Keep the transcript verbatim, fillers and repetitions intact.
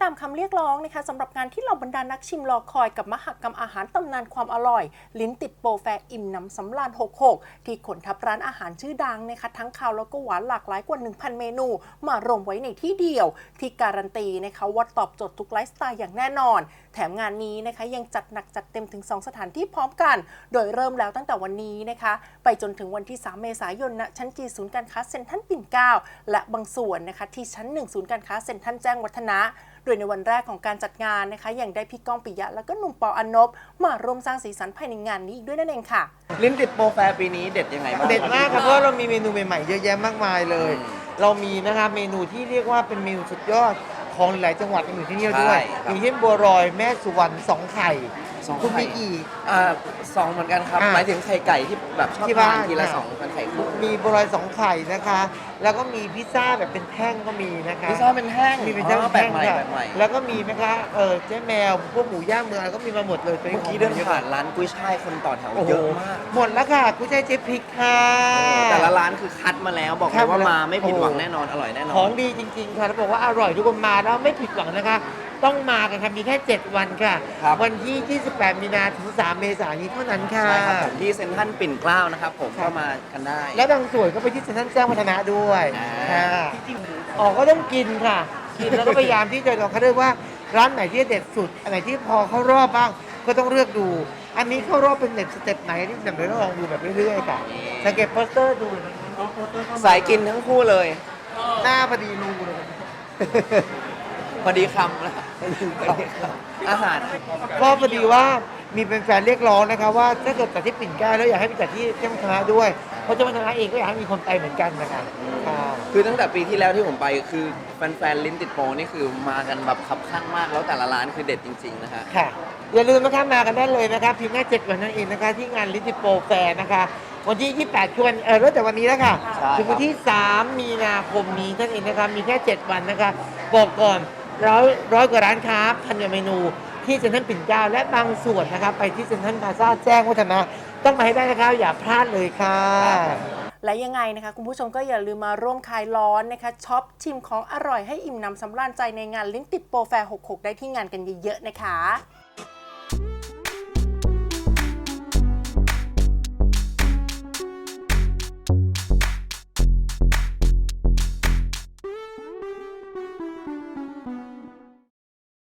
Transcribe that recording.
ามคำเรียกร้องนะคะสำหรับงานที่เหล่าบรรดานักชิมรอคอยกับมหกรรมอาหารตำนานความอร่อยลิ้นติดโปรแฟร์อิ่มน้ำสำราญหกสิบหกที่ขนทับร้านอาหารชื่อดังนะคะทั้งคาวแล้วก็หวานหลากหลายกว่า หนึ่งพัน เมนูมารวมไว้ในที่เดียวที่การันตีนะคะว่าตอบโจทย์ทุกไลฟ์สไตล์อย่างแน่นอนแถมงานนี้นะคะยังจัดหนักจัดเต็มถึงสองสถานที่พร้อมกันโดยเริ่มแล้วตั้งแต่วันนี้นะคะไปจนถึงวันที่สามเมษายนณชั้นจีศูนย์การค้าเซ็นทรัลปิ่นเกล้าและบางส่วนนะคะที่ชั้นหนึ่งศูนย์การค้าเซ็นทรัลแจ้งวัฒนะโดยในวันแรกของการจัดงานนะคะยังได้พี่ก้องปิยะแล้วก็หนุ่มปออนนบมาร่วมสร้างสีสันภายในงานนี้อีกด้วยนั่นเองค่ะลิ้นติดโปรแฟร์ปีนี้เด็ดยังไงบ้างเด็ดมากครับเพราะเรามีเมนูใหม่ๆเยอะแยะมากมายเลยเรามีนะครับเมนูที่เรียกว่าเป็นเมนูสุดยอดของหลายจังหวัดอยู่ที่นี่ด้วยอย่างเช่นบัวลอยแม่สุวรรณสองไข่คุณมีกี่อ่าสองเหมือนกันครับหมายถึงไข่ไก่ที่แบบชอบทานทีละสองเป็นไข่คู่มีบัวลอยสองไข่นะคะแล้วก็มีพิซซ่าแบบเป็นแท่งก็มีนะคะพิซซ่าเป็นแท่งมีเป็นแท่งแบบใหม่แบบใหม่แล้วก็มีนะคะเออเจ๊แมวพวกหมูย่างเมืองก็มีมาหมดเลยเมื่อกี้เดินผ่านร้านกุ้ยช่ายคนต่อแถวเยอะมากหมดแล้วค่ะกุ้ยช่ายเจ๊พริกค่ะแต่ละร้านคือคัดมาแล้วบอกเลยว่ามาไม่ผิดหวังแน่นอนอร่อยแน่นอนของดีจริงๆค่ะแล้วบอกว่าอร่อยทุกคนมาแล้วไม่ผิดหวังนะคะต้องมากันค่ะมีแค่เจ็ดวันค่ะวันที่ยี่สิบแปดมีนาถึงสามเมษายนนี้เท่านั้นค่ะใช่ครับที่เซ็นทรัลปิ่นเกล้านะครับผมก็มากันได้และบางส่วนก็ไปที่เซ็นทรัลแจ้งวัฒนะด้วยค่ะออกก็ต้องกินค่ะกินแล้วก็พยายามที่จะลองเขาเรียกว่าร้านไหนที่เด็ดสุดอันไหนที่พอเข้ารอบบ้างก็ต้องเลือกดูอันนี้เข้ารอบเป็นเด็ดสเต็ปไหนที่แบบเราลองดูแบบเรื่อยๆค่ะสังเกตโปสเตอร์ดูสายกินทั้งคู่เลยหน้าพอดีรูเลยพอดีคำนะอาหารก็พอดีว่ามีเป็นแฟนเรียกร้องนะคะว่าถ้าเกิดจัดที่ปิ่นเกล้าแล้วอยากให้ไปจัดที่เจ้าวัฒนะด้วยเพราะเจ้าวัฒนะเองก็อยากให้มีคนไปเหมือนกันนะคะคือตั้งแต่ปีที่แล้วที่ผมไปคือแฟนๆลิ้นติดโปรนี่คือมากันแบบคับข้างมากแล้วแต่ละร้านคือเด็ดจริงๆนะคะค่ะอย่าลืมนะคะมากันได้เลยนะคะเพียงแค่เจ็ดวันนั่นเองนะคะที่งานลิ้นติดโปรแฟร์นะคะวันที่ยี่สิบแปดคือวันเออเริ่มแต่วันนี้แล้วค่ะถึงวันที่สามมีนาคมนี้นั่นเองนะคะมีแค่เจ็ดวันนะคะบอกก่อนร้อยร้อยกว่าร้านค้าพันกว่าเมนูที่เซ็นทรัลปิ่นเกล้าและบางส่วนนะคะไปที่เซ็นทรัลพลาซ่าแจ้งวัฒนะต้องมาให้ได้นะคะอย่าพลาดเลยค่ะและยังไงนะคะคุณผู้ชมก็อย่าลืมมาร่วมคลายร้อนนะคะช็อปชิมของอร่อยให้อิ่มน้ำสำราญใจในงานลิ้นติดโปรแฟร์หกสิบหกได้ที่งานกันเยอะๆนะคะ